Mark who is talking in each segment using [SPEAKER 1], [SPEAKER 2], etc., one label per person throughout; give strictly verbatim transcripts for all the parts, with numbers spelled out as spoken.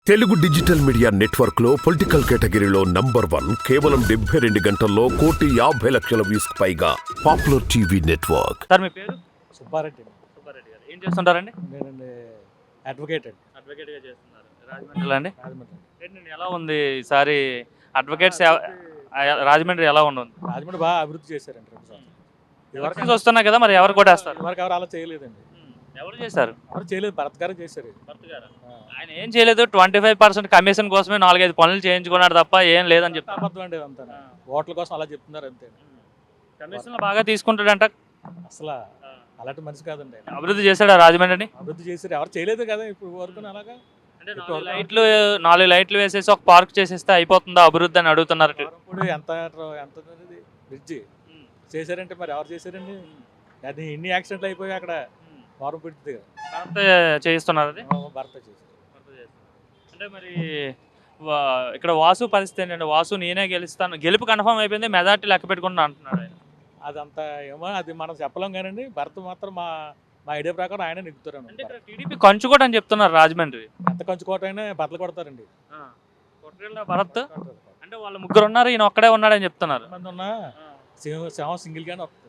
[SPEAKER 1] Telugu digital media network లో political కేటగిరీలో number one కేవలం డెబ్బై రెండు గంటల్లో కోటి యాభై లక్షల వ్యూస్ పైగా పాపులర్ టీవీ నెట్వర్క్.
[SPEAKER 2] సార్ మీ పేరు?
[SPEAKER 3] సుబ్బారెడ్డి.
[SPEAKER 2] సుబ్బారెడ్డి గారు ఏం చేస్తుంటారండి?
[SPEAKER 3] నేనండి అడ్వకేట్ అండి.
[SPEAKER 2] అడ్వకేట్గా చేస్తున్నారు రాజమండ్రిలో అండి.
[SPEAKER 3] రాజమండ్రి.
[SPEAKER 2] ఏంటండి ఎలా ఉంది ఈసారి అడ్వకేట్స్ రాజమండ్రి ఎలా ఉండదు?
[SPEAKER 3] రాజమండ్రి బాగా అభివృద్ధి చేశారండి రెండు సంవత్సరాలు.
[SPEAKER 2] ఎలక్షన్స్ వస్తున్నాయి కదా, మరి ఎవరు కొట్టేస్తారు?
[SPEAKER 3] ఎవరికి ఎవరు అలా చేయలేదండి.
[SPEAKER 2] ఎవరు చేశారు?
[SPEAKER 3] ఎవరు చేయలేదు, భరత్ గారు చేశారు.
[SPEAKER 2] భర్త గారు ఆయన ఏం చేయలేదు. ట్వంటీ ఫైవ్ పర్సెంట్ కమిషన్ కోసమే నాలుగైదు పనులు చేయించుకున్నాడు తప్ప ఏం లేదని చెప్తారు.
[SPEAKER 3] అబద్ధం అండి అంతా. ఓట్ల కోసం అలా చెప్తున్నారు అంతే.
[SPEAKER 2] కమిషన్ బాగా తీసుకుంటాడంట.
[SPEAKER 3] అసలు అలాంటి మనిషి కాదండి.
[SPEAKER 2] అభివృద్ధి చేశాడు రాజమండ్రిని.
[SPEAKER 3] అభివృద్ధి చేశారు, ఎవరు చేయలేదు కదా ఇప్పుడు వరకు. అలాగా
[SPEAKER 2] అంటే నాలుగు లైట్లు నాలుగు లైట్లు వేసేసి ఒక పార్క్ చేసేస్తే అయిపోతుందా అభివృద్ధి అని అడుగుతున్నారు.
[SPEAKER 3] ఇప్పుడు ఎంత ఎంత బ్రిడ్జి చేశారంటే మరి ఎవరు చేశారండి? అది ఇన్ని యాక్సిడెంట్లు అయిపోయి అక్కడ వారం పెడుతుంది
[SPEAKER 2] భర్త చేయిస్తున్నారు. అది
[SPEAKER 3] భర్త చేశారు.
[SPEAKER 2] అంటే మరి ఇక్కడ వాసు పరిస్థితి ఏంటంటే, వాసు నేనే గెలుస్తాను, గెలుపు కన్ఫర్మ్ అయిపోయింది, మెజార్టీ లెక్క పెట్టుకుంటా అంటున్నాడు ఆయన.
[SPEAKER 3] అదంతా ఏమో అది మనం చెప్పలేం కానీ భర్త మాత్రం మా మా ఐడియా ప్రకారం ఆయన నెగ్గుతారు.
[SPEAKER 2] అంటే ఇక్కడ టీడీపీ కంచుకోట అని చెప్తున్నారు రాజమండ్రి.
[SPEAKER 3] ఎంత కంచుకోట అయినా బట్టలు కొడతారండి
[SPEAKER 2] భరత్. అంటే వాళ్ళు ముగ్గురు ఉన్నారు, ఈయన ఒక్కడే ఉన్నాడని చెప్తున్నారు.
[SPEAKER 3] మంది ఉన్నా సింహం సింగిల్ గానే వస్తుంది.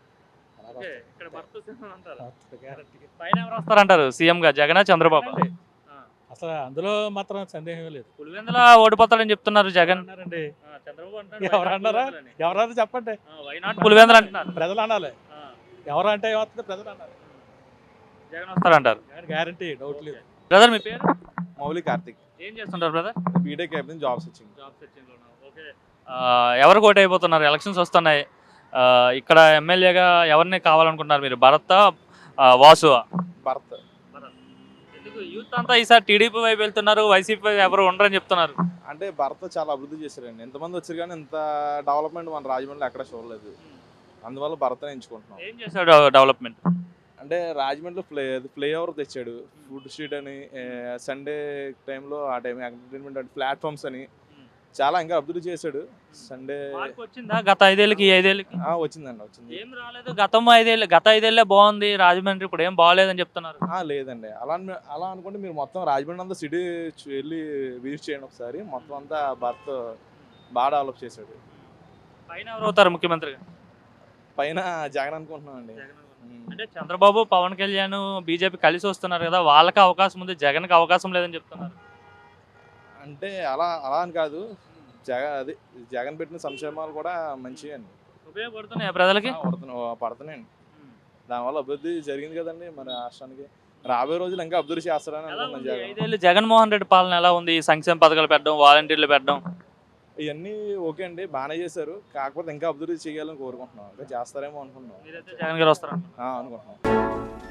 [SPEAKER 2] పైన ఎవరు వస్తారంటారు సీఎం గా, జగన్ చంద్రబాబు?
[SPEAKER 3] అసలు అందులో మాత్రం సందేహం లేదు.
[SPEAKER 2] పులివెందుల ఓడిపోతాడని చెప్తున్నారు జగన్.
[SPEAKER 3] ఎవరు అన్నారా? ఎవరన్నా చెప్పండి.
[SPEAKER 2] వైనాట్ పులివెందులు అంటున్నారు.
[SPEAKER 3] ప్రజలు అనాలి. ఎవరు అంటే ఏమవుతుంది? ప్రజలు అన్నారు.
[SPEAKER 2] జగన్ వస్తారంటారు.
[SPEAKER 3] గ్యారంటీ, డౌట్ లేదు.
[SPEAKER 2] బ్రదర్ మీ పేరు?
[SPEAKER 4] మౌలి కార్తిక్.
[SPEAKER 2] ఏం చేస్తుంటారు బ్రదర్?
[SPEAKER 4] బీటెక్ అయిపోయింది, జాబ్ సెర్చింగ్.
[SPEAKER 2] జాబ్ సెర్చింగ్ లోనా? ఓకే. ఎవరు కోట్ అయిపోతున్నారు? ఎలక్షన్స్ వస్తున్నాయి, ఇక్కడ ఎమ్మెల్యేగా ఎవరిని కావాలనుకుంటున్నారు మీరు? భరత్, వాసు?
[SPEAKER 4] భరత్.
[SPEAKER 2] ఎందుకు యూత్ అంతా ఈసారి టీడీపీ వైపు వెళ్తున్నారు, వైసీపీ ఎవరు ఉండరని చెప్తున్నారు?
[SPEAKER 4] అంటే భరత్ చాలా అభివృద్ధి చేశారండి. ఎంతమంది వచ్చారు కానీ ఇంత డెవలప్మెంట్ మన రాజమండ్రిలో ఎక్కడ చూడలేదు. అందువల్ల భరత్ని ఎంచుకుంటున్నాం.
[SPEAKER 2] ఏం చేశాడు డెవలప్మెంట్?
[SPEAKER 4] అంటే రాజమండ్రిలో ఫ్లై ఫ్లై ఓవర్ తెచ్చాడు, ఫుడ్ స్ట్రీట్ అని, సండే టైంలో ఆ టైం ఎంటర్టైన్మెంట్ అంటే ప్లాట్ఫామ్స్ అని చాలా ఇంకా అభివృద్ధి చేశాడు. సండే
[SPEAKER 2] వచ్చిందా గత ఐదేళ్ళకి ఈ ఐదేళ్ళకి?
[SPEAKER 4] వచ్చిందండి, వచ్చింది.
[SPEAKER 2] ఏం రాలేదు. గతం ఐదేళ్ళు గత ఐదేళ్ళే బాగుంది రాజమండ్రి, ఇప్పుడు ఏం బాగాలేదని చెప్తున్నారు.
[SPEAKER 4] లేదండి, అలా అలా అనుకుంటే మీరు మొత్తం రాజమండ్రి అంతా సిటీ వెళ్ళి విజిట్ చేయండి ఒకసారి. మొత్తం అంతా భరత్ బాగా డెవలప్ చేశాడు.
[SPEAKER 2] పైన ఎవరు అవుతారు ముఖ్యమంత్రిగా?
[SPEAKER 4] పైన జగన్ అనుకుంటున్నాం అండి.
[SPEAKER 2] అంటే చంద్రబాబు, పవన్ కళ్యాణ్, బీజేపీ కలిసి వస్తున్నారు కదా, వాళ్ళకి అవకాశం ఉంది, జగన్కి అవకాశం లేదని చెప్తున్నారు.
[SPEAKER 4] అంటే అలా అలా అని కాదు, జగన్ అది జగన్ పెట్టిన సంక్షేమాలు కూడా మంచివి అండి,
[SPEAKER 2] ఉపయోగపడుతున్నాయి ప్రజలకి.
[SPEAKER 4] పడుతున్నాయండి. దానివల్ల అభివృద్ధి జరిగింది కదండి మన రాష్ట్రానికి. రాబోయే రోజులు ఇంకా అభివృద్ధి చేస్తారని అనుకుంటున్నాను. జగన్
[SPEAKER 2] ఐదేళ్ళు జగన్మోహన్ రెడ్డి పాలన ఎలా ఉంది? సంక్షేమ పథకాలు పెట్టడం, వాలంటీర్లు పెట్టడం,
[SPEAKER 4] ఇవన్నీ ఓకే అండి, బాగానే చేశారు. కాకపోతే ఇంకా అభివృద్ధి చేయాలని కోరుకుంటున్నాం. ఇంకా చేస్తారేమో అనుకుంటున్నాం.
[SPEAKER 2] జగన్ గారు వస్తారు
[SPEAKER 4] అనుకుంటున్నాం.